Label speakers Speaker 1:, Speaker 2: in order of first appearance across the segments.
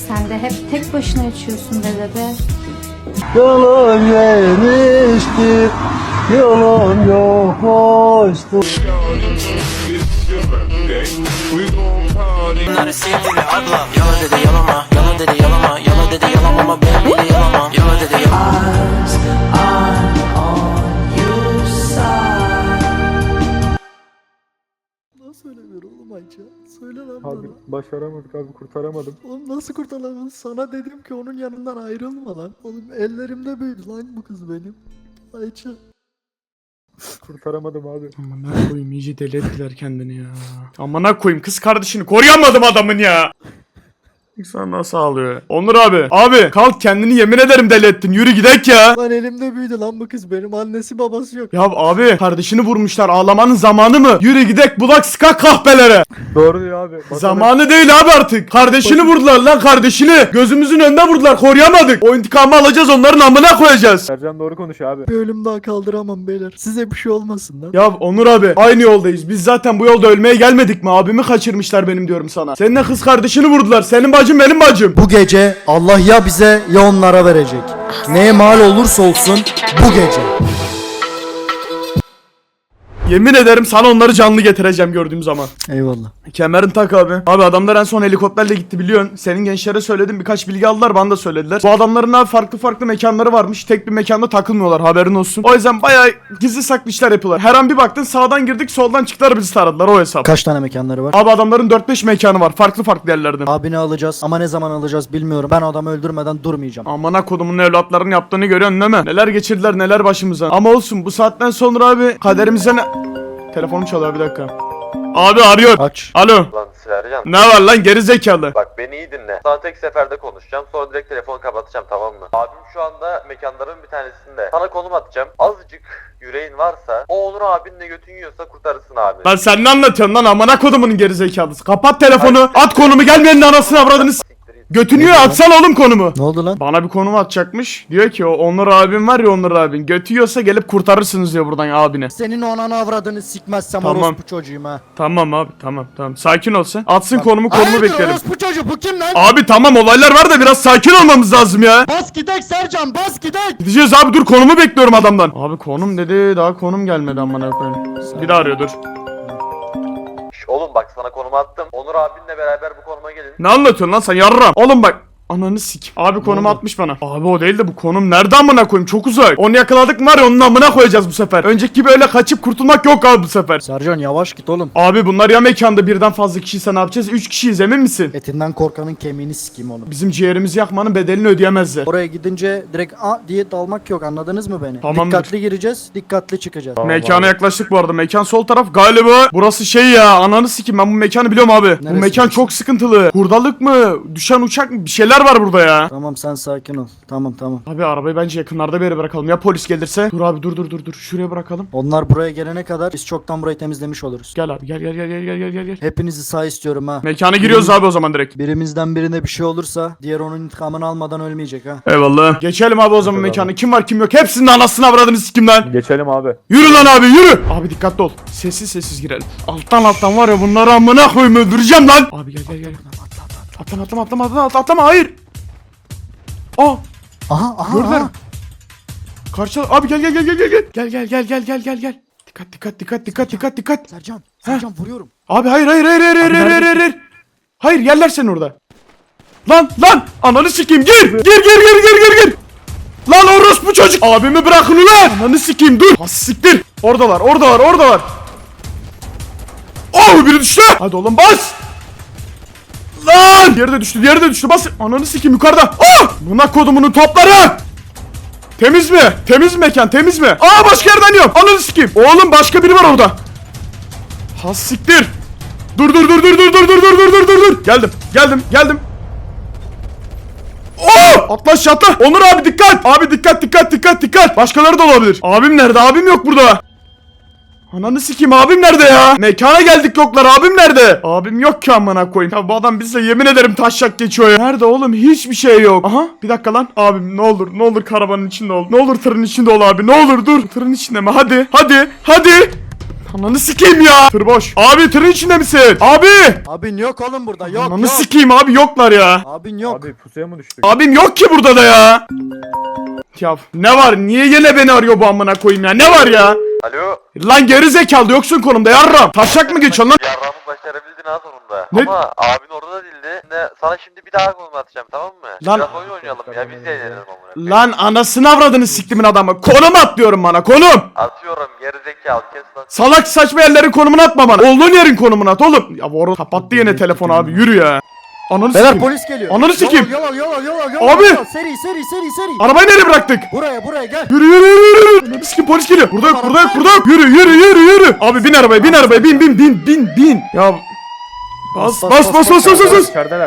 Speaker 1: Sen de hep tek başına içiyorsun be bebe.
Speaker 2: Yolun geniştir, yolun yokuştur.
Speaker 3: Bunları sevdi ve abla Yala dedi yalama, yala dedi yalama, yala dedi yalamama, ben bile yalamam. Yala dedi yalama.
Speaker 4: Nasıl söylemiyor oğlum Ayça? Söyle lan
Speaker 5: Abi
Speaker 4: bana.
Speaker 5: başaramadık abi, kurtaramadım.
Speaker 4: Oğlum nasıl kurtaramadın? Sana dedim ki onun yanından ayrılma lan. Oğlum ellerimde büyüdü lan bu kız benim. Ayça.
Speaker 5: Kurtaramadım abi.
Speaker 6: Amına koyayım, iyice deli ettiler kendini ya. Amına koyayım, kız kardeşini koruyamadım adamın ya. İnsan nasıl ağlıyor? Onur abi. Abi kalk, kendini yemin ederim deli ettin. Yürü gidek ya.
Speaker 4: Lan elimde büyüdü lan bu kız benim. Annesi babası yok.
Speaker 6: Ya abi, kardeşini vurmuşlar. Ağlamanın zamanı mı? Yürü gidek, bulak sıkak kahpelere.
Speaker 5: Doğru diyor abi. Bakalım.
Speaker 6: Zamanı değil abi artık. Kardeşini vurdular lan, kardeşini. Gözümüzün önünde vurdular, koruyamadık. O intikamı alacağız, onların amına koyacağız.
Speaker 5: Sercan doğru konuşuyor abi.
Speaker 4: Bir ölüm daha kaldıramam beyler. Size bir şey olmasın lan.
Speaker 6: Ya Onur abi, aynı yoldayız. Biz zaten bu yolda ölmeye gelmedik mi? Abimi kaçırmışlar benim, diyorum sana. Seninle kız kardeşini vurdular. Senin bacın benim bacım.
Speaker 4: Bu gece Allah ya bize ya onlara verecek. Neye mal olursa olsun bu gece.
Speaker 6: Yemin ederim sana onları canlı getireceğim gördüğüm zaman.
Speaker 4: Eyvallah.
Speaker 6: Kemerini tak abi. Abi adamlar en son helikopterle gitti biliyorsun. Senin gençlere söyledim, birkaç bilgi aldılar, bana da söylediler. Bu adamların abi farklı mekanları varmış. Tek bir mekanda takılmıyorlar, haberin olsun. O yüzden bayağı gizli saklı işler yapıyorlar. Her an bir baktın sağdan girdik, soldan çıktılar, bizi taradılar, o hesap.
Speaker 4: Kaç tane mekanları var?
Speaker 6: Abi adamların 4-5 mekanı var, farklı yerlerden.
Speaker 4: Abini alacağız ama ne zaman alacağız bilmiyorum. Ben adamı öldürmeden durmayacağım.
Speaker 6: Amına kodumun evlatlarının yaptığını görüyorsun değil mi? Neler geçirdiler, neler başımıza. Ama olsun, bu saatten sonra abi kaderimize ne... Telefonum çalıyor, bir dakika. Abi arıyor.
Speaker 4: Aç.
Speaker 6: Alo.
Speaker 7: Lan Sercan,
Speaker 6: Ne var lan geri zekalı?
Speaker 7: bak beni iyi dinle. Sana tek seferde konuşacağım, sonra direkt telefonu kapatacağım, tamam mı? Abim şu anda mekanların bir tanesinde. Sana konum atacağım. Azıcık yüreğin varsa, o Onur abinle götün yiyorsa kurtarırsın abi.
Speaker 6: Lan sen ne anlatıyorsun lan, amına kodumunun geri zekalısı? Kapat telefonu, at konumu, gelmeyenin anasını avradını s- Götünüyor, atsana oğlum konumu.
Speaker 4: Ne oldu lan?
Speaker 6: Bana bir konum atacakmış. Diyor ki o Onur abim var ya, Onur abin. Götüyorsa gelip kurtarırsınız diyor buradan abine.
Speaker 4: Senin o ananı avradını sikmezsem
Speaker 6: Tamam.
Speaker 4: orospu çocuğum ha.
Speaker 6: Tamam abi, tamam. Sakin ol sen. Atsın konumu
Speaker 4: Hayırdır
Speaker 6: beklerim.
Speaker 4: orospu çocuğu bu kim lan?
Speaker 6: Abi tamam, olaylar var da biraz sakin olmamız lazım ya.
Speaker 4: Bas gidek Sercan bas gidek.
Speaker 6: Gideceğiz abi, dur konumu bekliyorum adamdan. Abi konum dedi, daha konum gelmedi amına koyayım. Bir daha arıyor, dur.
Speaker 7: Şş, oğlum bak sana konumu attım. Onur abinle beraber bu konuma gelin.
Speaker 6: Ne anlatıyorsun lan sen yarram? Oğlum bak. Ananı sik. Abi konumu atmış bana. Abi o değil de bu konum nerede amına koyayım, çok uzak. Onu yakaladık mı var ya, onun amına koyacağız bu sefer. Önceki gibi öyle kaçıp kurtulmak yok abi bu sefer.
Speaker 4: Sercan yavaş git oğlum.
Speaker 6: Abi bunlar ya mekanda birden fazla kişiyse ne yapacağız? 3 kişiyiz, emin misin?
Speaker 4: Etinden korkanın kemiğini sikeyim oğlum.
Speaker 6: Bizim ciğerimizi yakmanın bedelini ödeyemezler.
Speaker 4: Oraya gidince direkt diye dalmak yok, anladınız mı beni?
Speaker 6: Tamamdır.
Speaker 4: Dikkatli gireceğiz, dikkatli çıkacağız.
Speaker 6: Mekana yaklaştık bu arada. Mekan sol taraf galiba. Burası şey ya, ananı sikim, ben bu mekanı biliyorum abi. Bu
Speaker 4: Neresi?
Speaker 6: mekan çok sıkıntılı. Hurdalık mı? Düşen uçak mı? Bir şeyler var burada ya.
Speaker 4: Tamam sen sakin ol. Tamam.
Speaker 6: Abi arabayı bence yakınlarda bir yere bırakalım. Ya polis gelirse? Dur abi, dur. Şuraya bırakalım.
Speaker 4: Onlar buraya gelene kadar biz çoktan burayı temizlemiş oluruz.
Speaker 6: Gel abi, gel.
Speaker 4: Hepinizi sağ istiyorum ha.
Speaker 6: Mekana giriyoruz abi o zaman direkt.
Speaker 4: Birimizden birine bir şey olursa diğer onun intikamını almadan ölmeyecek ha.
Speaker 6: Eyvallah. Geçelim abi o zaman mekana. Kim var kim yok. Hepsinin anasını avradını sikim lan.
Speaker 5: Geçelim abi.
Speaker 6: Yürü lan abi, yürü. Abi dikkatli ol. Sessiz girelim. Alttan var ya, bunları amına koyayım, öldüreceğim lan. Abi gel. Atlama, hayır. Aa,
Speaker 4: Aha.
Speaker 6: gördüler. Karşı abi gel. Gel. Dikkat.
Speaker 4: Sercan vuruyorum.
Speaker 6: Abi hayır. Hayır, yerler seni orada. Lan ananı sikeyim, gir. Lan orospu çocuk. Abimi bırakın ulan. Ananı sikeyim, dur. Has siktir. Oradalar. Oh, biri düştü. Hadi oğlum bas. Lan. Diğeri de düştü. Bas. Ananı sikeyim, yukarıda. Oh. Buna kodumunun topları. Temiz mi? Temiz mekan, temiz mi? Aa, başka yerden yiyorum. Ananı sikeyim. Oğlum başka biri var orada. Has siktir. Dur. Geldim. Oo! Atla aşağı, atla. Onur abi dikkat. Abi dikkat. Başkaları da olabilir. Abim nerede? Abim yok burada. Ananı sikeyim, abim nerede ya? Mekana geldik, yoklar, abim nerede? Abim yok ki amına koyayım. Ya bu adam bizle yemin ederim taşak geçiyor ya. Nerede oğlum? Hiçbir şey yok. Aha, bir dakika lan. Abim ne olur karavanın içinde ol. Ne olur tırın içinde ol abi. Ne olur dur. Tırın içinde mi? Hadi. Ananı sikeyim ya. Tır boş. Abi tırın içinde misin? Abi.
Speaker 4: Abin yok oğlum burada. Yok
Speaker 6: Ananı
Speaker 4: yok.
Speaker 6: sikeyim abi, yoklar ya.
Speaker 4: Abin yok.
Speaker 5: Abi pusuya mı düştük?
Speaker 6: Abim yok ki burada da ya. Ya ne var? Niye yine beni arıyor bu amına koyayım ya? Ne var ya?
Speaker 7: Alo.
Speaker 6: Lan geri zekalı yoksun konumda yarram. Taşak mı geçiyorsun lan?
Speaker 7: Yarramı başarabildin ha sonunda.
Speaker 6: Ne?
Speaker 7: Ama abin orada değildi. Sana şimdi bir daha konum atacağım, tamam mı?
Speaker 6: Lan-
Speaker 7: Biraz oyun oynayalım ya, biz de eğlenelim amına.
Speaker 6: Lan anasını avradını siktimin adamı. Konum at diyorum bana, konum.
Speaker 7: Atıyorum gerizekalı, kes lan.
Speaker 6: Salak saçma yerlerin konumunu atma bana. Olduğun yerin konumunu at oğlum. Ya bu arada kapattı yine telefonu abi, yürü ya. Ananı
Speaker 4: Beyler
Speaker 6: sikeyim.
Speaker 4: polis geliyor.
Speaker 6: Ananı sikeyim.
Speaker 4: Yol al.
Speaker 6: Abi!
Speaker 4: Seri.
Speaker 6: Arabayı nereye bıraktık?
Speaker 4: Buraya gel.
Speaker 6: Yürü. Ananı sikeyim, polis geliyor. Burada yok. Yürü. Abi bin arabaya, bin. Ya bas.
Speaker 5: İçerideler.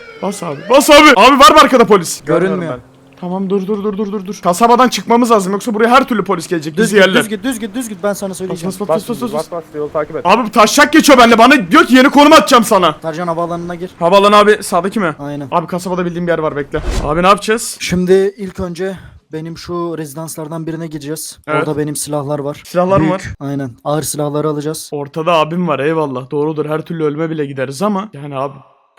Speaker 6: Bas abi. Abi var mı arkada polis?
Speaker 5: Görmüyorum
Speaker 4: Görünmüyor.
Speaker 6: Tamam dur. Kasabadan çıkmamız lazım, yoksa buraya her türlü polis gelecek. Bizi yerler.
Speaker 4: Düz git ben sana söyleyeceğim.
Speaker 5: Bas yolu takip et.
Speaker 6: Abi taşak geçiyor benimle, bana diyor ki yeni konum atacağım sana.
Speaker 4: Sercan havaalanına gir.
Speaker 6: Havaalanı abi sağdaki mi?
Speaker 4: Aynen.
Speaker 6: Abi kasabada bildiğim bir yer var, bekle. Abi ne yapacağız?
Speaker 4: Şimdi ilk önce benim şu rezidanslardan birine gideceğiz.
Speaker 6: Evet.
Speaker 4: Orada benim silahlar var.
Speaker 6: Silahlar mı var?
Speaker 4: Aynen. Ağır silahları alacağız.
Speaker 6: Ortada abim var, eyvallah. Doğrudur, her türlü ölüme bile gideriz ama yani abi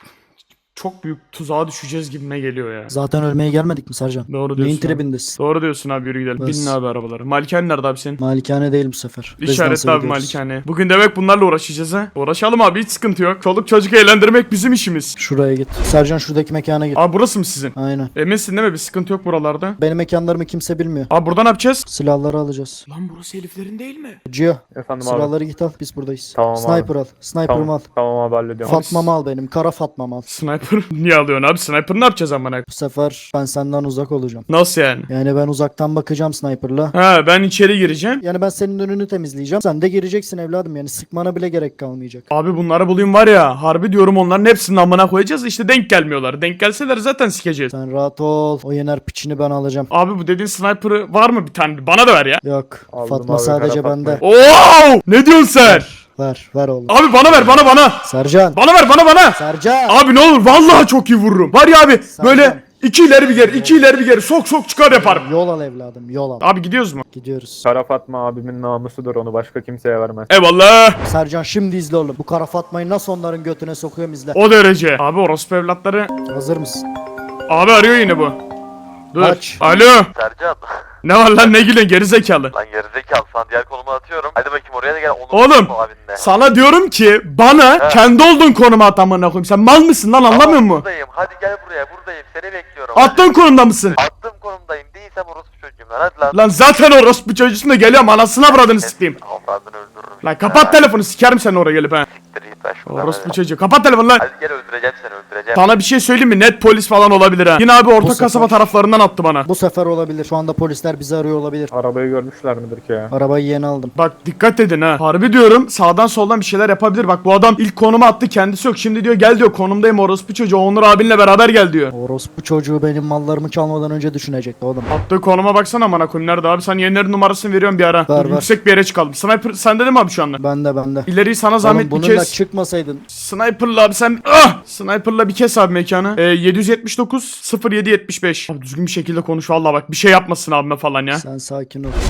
Speaker 6: çok büyük tuzağa düşeceğiz gibime geliyor ya.
Speaker 4: Zaten ölmeye gelmedik mi Sercan?
Speaker 6: Doğru
Speaker 4: Neyin
Speaker 6: diyorsun abi.
Speaker 4: tribindesin?
Speaker 6: Doğru diyorsun abi, yürü gidelim.
Speaker 4: Bas.
Speaker 6: Binin abi arabaları. Malikane nerede abi senin?
Speaker 4: Malikane değil bu sefer. Rezidansa
Speaker 6: İşaretli abi
Speaker 4: gidiyoruz.
Speaker 6: malikane. Bugün demek bunlarla uğraşacağız ha. Uğraşalım abi, hiç sıkıntı yok. Çoluk çocuk eğlendirmek bizim işimiz.
Speaker 4: Şuraya git. Sercan şuradaki mekana git.
Speaker 6: Abi burası mı sizin?
Speaker 4: Aynen.
Speaker 6: Eminsin değil mi? Bir sıkıntı yok buralarda.
Speaker 4: Benim mekanlarımı kimse bilmiyor.
Speaker 6: Abi buradan ne yapacağız?
Speaker 4: Silahları alacağız.
Speaker 6: Lan burası heriflerin değil mi?
Speaker 4: Cio.
Speaker 5: Efendim abi.
Speaker 4: Silahları git al. Biz buradayız.
Speaker 5: Tamam abi.
Speaker 4: Sniper al. Sniper'ımı al.
Speaker 5: Tamam abi hallediyorum.
Speaker 4: Fatma'mı al benim. Kara Fatma'mı al.
Speaker 6: Sniper niye alıyorsun abi? Sniper ne yapacağız amına?
Speaker 4: Bu sefer ben senden uzak olacağım.
Speaker 6: Nasıl yani?
Speaker 4: Yani ben uzaktan bakacağım sniper'la.
Speaker 6: Ha, ben içeri gireceğim.
Speaker 4: Yani ben senin önünü temizleyeceğim. Sen de gireceksin evladım. Yani sıkmana bile gerek kalmayacak.
Speaker 6: Abi bunları bulayım var ya, harbi diyorum onların hepsini amına koyacağız, işte denk gelmiyorlar. Denk gelseler zaten sikeceğiz.
Speaker 4: Sen rahat ol. O yener piçini ben alacağım.
Speaker 6: Abi bu dediğin sniper'ı var mı bir tane? Bana da ver ya.
Speaker 4: Yok.
Speaker 5: Aldım
Speaker 4: Fatma
Speaker 5: abi,
Speaker 4: sadece
Speaker 5: Kara
Speaker 4: bende.
Speaker 6: Oo! Ne diyorsun sen?
Speaker 4: Ver oğlum.
Speaker 6: Abi bana ver, bana.
Speaker 4: Sercan.
Speaker 6: Bana ver, bana.
Speaker 4: Sercan.
Speaker 6: Abi ne olur vallahi çok iyi vururum. Var ya abi
Speaker 4: Sercan.
Speaker 6: böyle 2 ileri bir geri, 2 ileri bir geri, sok çıkar yaparım.
Speaker 4: Yol al evladım. Yol al.
Speaker 6: Abi gidiyoruz mu?
Speaker 4: Gidiyoruz.
Speaker 5: Kara Fatma abimin namusudur, onu başka kimseye vermez.
Speaker 6: Eyvallah.
Speaker 4: Sercan şimdi izle oğlum. Bu Kara Fatma'yı nasıl onların götüne sokuyorum izle.
Speaker 6: O derece. Abi orospu evlatları.
Speaker 4: Hazır mısın?
Speaker 6: Abi arıyor yine bu. Dur.
Speaker 4: Aç.
Speaker 6: Alo.
Speaker 7: Sercan.
Speaker 6: Ne var lan, ne gülüyorsun gerizekalı?
Speaker 7: Lan gerizekalı, sana diğer konumu atıyorum. Hadi bakayım oraya da gel. Onu
Speaker 6: Oğlum,
Speaker 7: bu abinle.
Speaker 6: sana diyorum ki bana kendi olduğun konuma at amına koyayım. Sen mal mısın lan, anlamıyor
Speaker 7: Tamam,
Speaker 6: musun?
Speaker 7: buradayım. Hadi gel buraya, buradayım. Seni bekliyorum.
Speaker 6: Attığın konumda mısın?
Speaker 7: Attığım konumdayım. Değilsem orospu çocuğum lan. Hadi lan.
Speaker 6: Lan zaten orospu çocuğusun da geliyorum, anasını avradını sikeyim.
Speaker 7: Avradını öldürürüm.
Speaker 6: Lan kapat telefonu, sikerim seni oraya gelip ha.
Speaker 7: Siktir git lan şuradan
Speaker 6: Orospu
Speaker 7: hadi.
Speaker 6: çocuğu, kapat telefonu lan.
Speaker 7: Hadi gel, öldüreceğim seni, öldüreceğim.
Speaker 6: Sana bir şey söyleyeyim mi? Net polis falan olabilir ha. Yine abi orta
Speaker 4: sefer-
Speaker 6: kasaba taraflarından attı bana.
Speaker 4: Bu sefer olabilir. Şu anda polisler bizi arıyor olabilir.
Speaker 5: Arabayı görmüşler midir ki ya?
Speaker 4: Arabayı yeni aldım.
Speaker 6: Bak dikkat edin ha. Harbi diyorum, sağdan soldan bir şeyler yapabilir. Bak bu adam ilk konuma attı, kendisi yok. Şimdi diyor gel diyor, konumdayım orospu çocuğu. Onur abinle beraber gel diyor.
Speaker 4: Orospu çocuğu benim mallarımı çalmadan önce düşünecekti oğlum.
Speaker 6: Attığı konuma baksana amına koyayım, nerede abi? Sen yenilerin numarasını veriyorum bir ara.
Speaker 4: Ver,
Speaker 6: Dur,
Speaker 4: ver.
Speaker 6: yüksek bir yere çıkalım. Sniper sende değil mi abi şu anda?
Speaker 4: Bende.
Speaker 6: İleriyi sana zahmet
Speaker 4: Oğlum
Speaker 6: bir
Speaker 4: bununla
Speaker 6: kez.
Speaker 4: çıkmasaydın.
Speaker 6: Sniper'la abi sen. Ah! Sniper'la bir kes abi mekanı. 779 0775. Abi düzgün bir şekilde konuş vallahi, bak bir şey yapmasın abime falan ya.
Speaker 4: Sen sakin ol.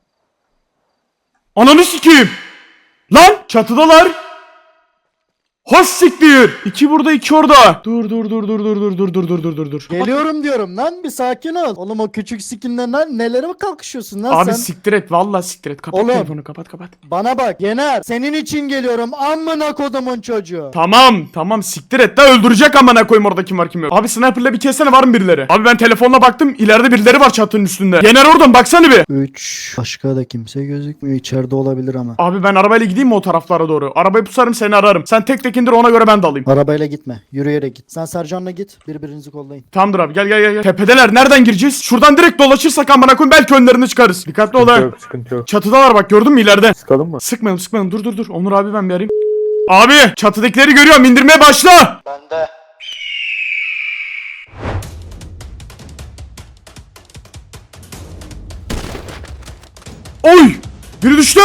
Speaker 6: Ananı sikeyim. Lan çatıdalar. Hoş siktir. 2 burada 2 orada. Dur.
Speaker 4: Geliyorum diyorum lan, bir sakin ol. Oğlum o küçük skinden lan nelere mi kalkışıyorsun lan
Speaker 6: Abi
Speaker 4: sen?
Speaker 6: siktir et, vallahi siktir et. Kapat
Speaker 4: Oğlum.
Speaker 6: telefonu, kapat.
Speaker 4: Bana bak Yener, senin için geliyorum amına kodumun çocuğu.
Speaker 6: Tamam siktir et de, öldürecek amına koyayım orada kim var kim yok. Abi sniper'la bir kessene, var mı birileri? Abi ben telefonla baktım, ileride birileri var çatının üstünde. Yener oradan baksana bir.
Speaker 4: 3. Başka da kimse gözükmüyor, içeride olabilir ama.
Speaker 6: Abi ben arabayla gideyim mi o taraflara doğru? Arabayı pusarım, seni ararım. Sen tek indir, ona göre ben de alayım.
Speaker 4: Arabayla gitme, yürüyerek git. Sen Sercan'la git, birbirinizi kollayın.
Speaker 6: Tamamdır abi, gel. Tepedeler, nereden gireceğiz? Şuradan direkt dolaşırsak amına koyayım belki önlerine çıkarız. Dikkatli ol ha.
Speaker 5: Sıkıntı yok.
Speaker 6: Çatıdalar bak, gördün mü ileride?
Speaker 5: Sıkalım mı?
Speaker 6: Sıkmayalım. Dur. Onur abi ben bir arayayım. Abi çatıdakileri görüyorum, indirmeye başla.
Speaker 7: Bende.
Speaker 6: Oy! Biri düştü.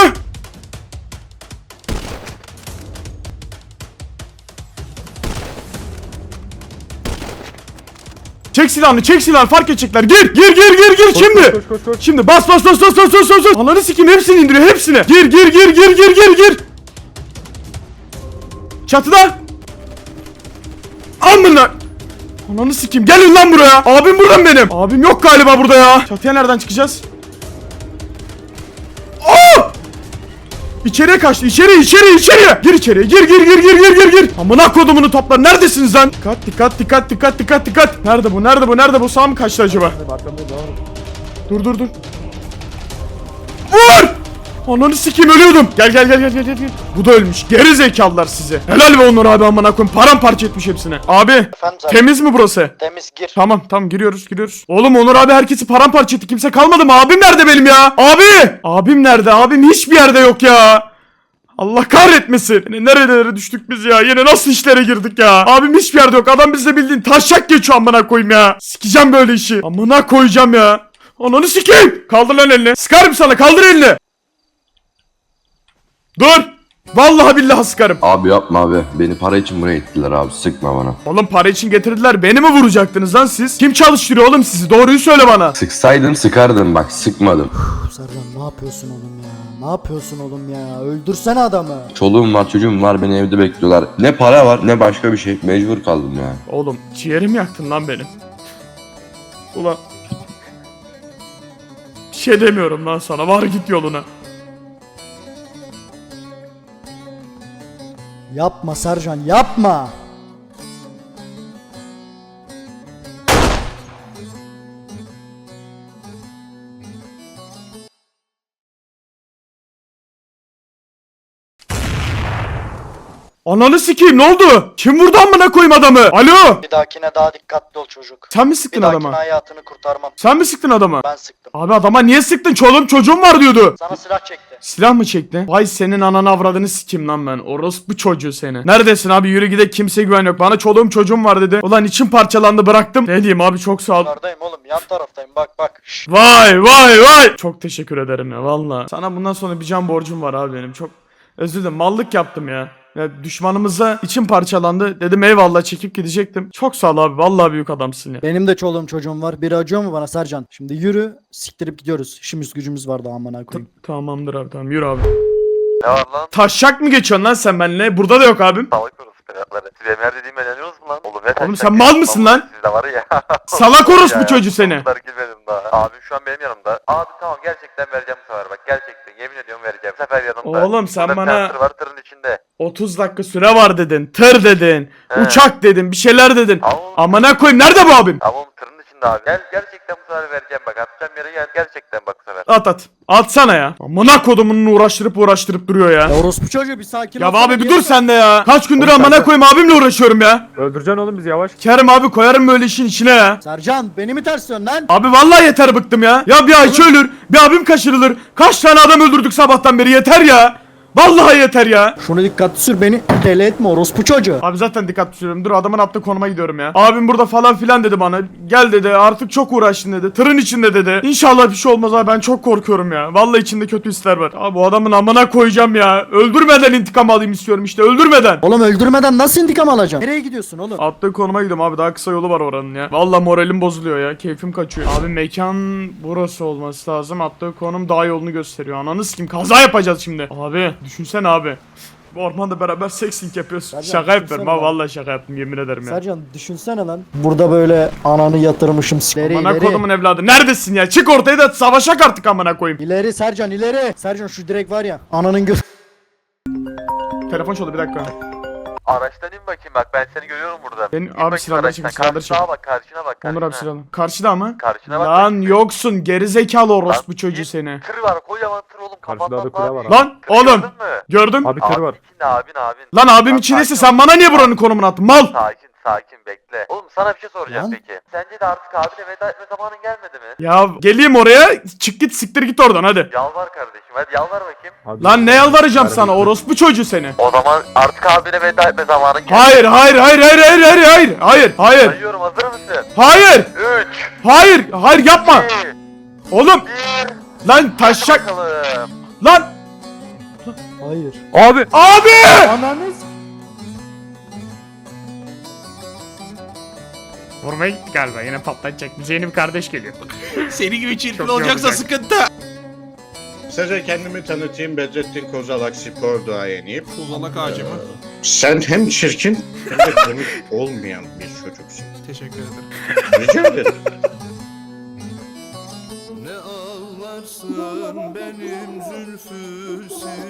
Speaker 6: Çek silahını fark edecekler. Gir şimdi.
Speaker 5: Koş.
Speaker 6: Şimdi bas. Ananı sikeyim, hepsini indiriyor, hepsini. Gir. Çatıda. Amına. Ananı sikeyim, gelin lan buraya. Abim burada mı benim? Abim yok galiba burada ya. Çatıya nereden çıkacağız? Aa! İçeriye kaçtı. İçeriye. Gir içeriye. Gir. Amına kodumunun topları. Neredesiniz lan? Dikkat. Nerede bu? Sağ mı kaçtı acaba? Dur. Vur! Ananı sikeyim, ölüyordum. Gel. Bu da ölmüş. Geri zekalılar size. Helal be Onur abi, amına koyayım. Paramparça etmiş hepsini. Abi.
Speaker 8: Efendim zaten.
Speaker 6: Temiz mi burası?
Speaker 8: Temiz gir.
Speaker 6: Tamam giriyoruz. Oğlum Onur abi herkesi paramparça etti. Kimse kalmadı mı? Abim nerede benim ya? Abi! Abim nerede? Abim hiçbir yerde yok ya. Allah kahretmesin. Yine nerelere düştük biz ya? Yine nasıl işlere girdik ya? Abim hiçbir yerde yok. Adam bizle bildiğin taşak geçiyor, amına koyayım ya. Sikeceğim böyle işi. Amına koyacağım ya. Ananı sikeyim. Kaldır lan elini. Sıkarım sana. Kaldır elini. Dur. Vallahi billahi sıkarım.
Speaker 9: Abi yapma abi. Beni para için buraya ittiler abi. Sıkma bana.
Speaker 6: Oğlum para için getirdiler. Beni mi vuracaktınız lan siz? Kim çalıştırıyor oğlum sizi? Doğruyu söyle bana.
Speaker 9: Sıksaydım sıkardım bak, sıkmadım.
Speaker 4: Sercan ne yapıyorsun oğlum ya? Ne yapıyorsun oğlum ya? Öldürsene adamı.
Speaker 9: Çoluğum var, çocuğum var, beni evde bekliyorlar. Ne para var ne başka bir şey. Mecbur kaldım ya.
Speaker 6: Oğlum ciğerimi yaktın lan benim. Ulan. Bir şey demiyorum lan sana. Var git yoluna.
Speaker 4: Yapma Sercan, yapma.
Speaker 6: Ananı sikeyim, ne oldu? Kim vurdu amına koyayım adamı? Alo.
Speaker 8: Bir dahakine daha dikkatli ol çocuk.
Speaker 6: Sen mi
Speaker 8: Bir
Speaker 6: sıktın
Speaker 8: dahakine
Speaker 6: adama?
Speaker 8: hayatını kurtarmam.
Speaker 6: Sen mi sıktın adama?
Speaker 8: Ben sıktım.
Speaker 6: Abi adama niye sıktın? Çoluğum çocuğum var diyordu.
Speaker 8: Sana silah çekti.
Speaker 6: Silah mı çekti? Vay senin ananı avradını sikeyim lan ben. Orospu çocuğu seni. Neredesin abi? Yürü gide, kimseye güven yok. Bana çoluğum çocuğum var dedi. Ulan içim parçalandı, bıraktım. Ne diyeyim abi, çok sağ ol.
Speaker 8: Yukarıdayım oğlum, yan taraftayım, bak. Şşş.
Speaker 6: Vay. Çok teşekkür ederim ya valla. Sana bundan sonra bir can borcum var abi benim. Çok özür dilerim. Mallık yaptım ya. Ya düşmanımıza içim parçalandı. Dedim eyvallah, çekip gidecektim. Çok sağ ol abi. Vallahi büyük adamsın ya.
Speaker 4: Benim de çoluğum çocuğum var. Biri acıyor mu bana Sercan? Şimdi yürü, siktirip gidiyoruz. İşimiz gücümüz var daha amına koyayım.
Speaker 6: Tamamdır abi, tamam yürü abi.
Speaker 7: Ne var lan?
Speaker 6: Taşak mı geçiyorsun lan sen benimle? Burada da yok abim.
Speaker 7: Salak orospu evlatları. Siz benim her dediğime inanıyorsunuz mu lan? Oğlum ne
Speaker 6: Oğlum
Speaker 7: taşak
Speaker 6: sen mal
Speaker 7: geçiyorsun
Speaker 6: mısın
Speaker 7: lan?
Speaker 6: lan?
Speaker 7: Sizde var ya.
Speaker 6: Salak orospu
Speaker 7: Ya,
Speaker 6: çocuğu seni.
Speaker 7: bunlar girmedim daha. Abim şu an benim yanımda. Abi tamam, gerçekten vereceğim bu sefer bak. Gerçekten yemin ediyorum vereceğim. Bu sefer yanımda.
Speaker 6: Oğlum sen
Speaker 7: Burada bir
Speaker 6: bana-
Speaker 7: tane tır var, tırın içinde.
Speaker 6: 30 dakika süre var dedin. Tır dedin.
Speaker 7: He.
Speaker 6: Uçak dedin. Bir şeyler dedin.
Speaker 7: Ama-
Speaker 6: Amına koyayım, nerede bu abim?
Speaker 7: Ama oğlum tırın içinde abi. Gerçekten bu sefer vereceğim bak. Atacağım yere gel. Gerçekten bak bu sefer.
Speaker 6: At. Atsana ya. Amına kodumunun uğraştırıp duruyor ya.
Speaker 4: Ya orospu çocuğu bir sakin
Speaker 6: Ya
Speaker 4: olsana,
Speaker 6: abi bir
Speaker 4: geri
Speaker 6: dur
Speaker 4: bak.
Speaker 6: sen de ya. Kaç gündür
Speaker 5: Oğlum sen
Speaker 6: amına
Speaker 5: de-
Speaker 6: koyayım abimle uğraşıyorum ya.
Speaker 5: Öldüreceksin oğlum bizi, yavaş.
Speaker 6: Kerim abi, koyarım böyle işin içine ya.
Speaker 4: Sercan beni mi tersliyorsun lan?
Speaker 6: Abi vallahi yeter, bıktım ya. Ya bir Ayça ölür, bir abim kaçırılır. Kaç tane adam öldürdük sabahtan beri, yeter ya. Vallahi yeter ya.
Speaker 4: Şunu dikkatli sür, beni deli etme orospu çocuğu.
Speaker 6: Abi zaten dikkatli sürüyorum. Dur, adamın attığı konuma gidiyorum ya. Abim burada falan filan dedi bana. Gel dedi, artık çok uğraştın dedi. Tırın içinde dedi. İnşallah bir şey olmaz abi, ben çok korkuyorum ya. Vallahi içinde kötü hisler var. Abi bu adamın amına koyacağım ya. Öldürmeden intikam alayım istiyorum işte, öldürmeden.
Speaker 4: Oğlum öldürmeden nasıl intikam alacaksın? Nereye gidiyorsun oğlum?
Speaker 6: Attığı konuma gidiyorum abi, daha kısa yolu var oranın ya. Vallahi moralim bozuluyor ya, keyfim kaçıyor. Abi mekan burası olması lazım. Attığı konum daha yolunu gösteriyor. Ananı sikeyim, kaza yapacağız şimdi. Abi düşünsene abi. Bu ormanda beraber sexting yapıyoruz.
Speaker 4: Sercan,
Speaker 6: Şaka yapıyorum
Speaker 4: düşünsene
Speaker 6: ha,
Speaker 4: lan.
Speaker 6: vallahi şaka yaptım, yemin ederim ya.
Speaker 4: Sercan düşünsene lan. Burada böyle ananı yatırmışım. İleri
Speaker 6: Amına
Speaker 4: ileri.
Speaker 6: kodumun evladı, neredesin ya? Çık ortaya da savaşak artık amına koyayım.
Speaker 4: İleri Sercan ileri. Sercan şu direk var ya. Ananın göz.
Speaker 6: Telefon çaldı, bir dakika.
Speaker 7: Araçtan in bakayım bak, ben seni görüyorum burada.
Speaker 6: Benim-
Speaker 7: İn
Speaker 6: abi
Speaker 7: bakayım
Speaker 6: silahları
Speaker 7: araçtan.
Speaker 6: çek, silahları
Speaker 7: Karşına
Speaker 6: çek.
Speaker 7: bak, karşına bak.
Speaker 6: Onur abi
Speaker 7: karşına.
Speaker 6: silahlı. Karşıda mı?
Speaker 7: Karşına bak.
Speaker 6: Lan yoksun gerizekalı orospu çocuğu
Speaker 7: in.
Speaker 6: seni.
Speaker 7: Tır var, kocaman tır oğlum.
Speaker 5: Karşıda
Speaker 7: Kafandan
Speaker 5: da kule var
Speaker 7: abi.
Speaker 5: abi.
Speaker 6: Lan
Speaker 7: Tır
Speaker 6: oğlum
Speaker 7: gördün mü?
Speaker 6: gördüm.
Speaker 5: Abi tır var.
Speaker 7: içinde abin.
Speaker 6: Lan abim
Speaker 7: Lan
Speaker 6: içindeyse
Speaker 7: sakin
Speaker 6: sen bana niye buranın konumunu attın mal?
Speaker 7: Sakin bekle. Oğlum sana bir şey soracağım
Speaker 4: Lan.
Speaker 7: peki. Sence de artık abine veda etme zamanın gelmedi mi?
Speaker 6: Ya geleyim oraya, çık git siktir git oradan hadi.
Speaker 7: Yalvar kardeşim, hadi yalvar bakayım.
Speaker 5: Abi,
Speaker 6: Lan ne yalvaracağım
Speaker 5: Harbi.
Speaker 6: sana orospu çocuğu seni.
Speaker 7: O zaman artık abine veda etme zamanın geldi.
Speaker 6: Hayır.
Speaker 7: Sayıyorum, hazır mısın?
Speaker 6: Hayır.
Speaker 7: 3,
Speaker 6: Hayır yapma.
Speaker 7: 2,
Speaker 6: Oğlum
Speaker 7: 1.
Speaker 6: lan taşak
Speaker 7: Bakalım.
Speaker 6: lan.
Speaker 4: Hayır.
Speaker 5: Abi.
Speaker 6: Abi!
Speaker 4: Ananız.
Speaker 6: Vurmayın galiba yine patlatacak. Bize yeni bir kardeş geliyor.
Speaker 10: Seni gibi çirkin
Speaker 6: Çok
Speaker 10: olacaksa
Speaker 6: yorulacak.
Speaker 10: sıkıntı.
Speaker 11: Kısaca kendimi tanıtayım. Bedrettin Kozalak spor duayeniyim.
Speaker 10: Kozalak ağacı mı?
Speaker 11: Sen hem çirkin hem de komik olmayan bir çocuksun.
Speaker 10: Teşekkür ederim.
Speaker 11: Rica ederim.
Speaker 10: Ne ağlarsın benim zülfü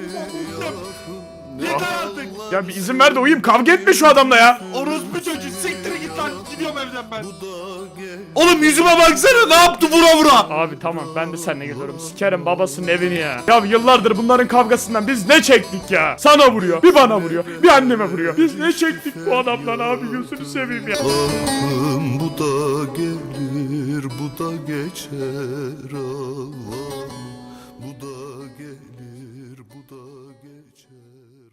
Speaker 10: Yeter artık.
Speaker 6: Ya bir izin ver de uyuyayım, kavga etme şu adamla ya.
Speaker 10: Orospu çocuğu siktir git lan. Gidiyorum evden ben. Oğlum yüzüme baksana, ne yaptı vura vura.
Speaker 6: Abi tamam ben de seninle geliyorum. Sikerim babasının evini ya. Ya yıllardır bunların kavgasından biz ne çektik ya? Sana vuruyor, bir bana vuruyor, bir anneme vuruyor. Biz ne çektik bu adamdan abi, gözünü seveyim ya.
Speaker 10: Bu da gelir, bu da geçer Allah'ım. Bu da gelir, bu da geçer.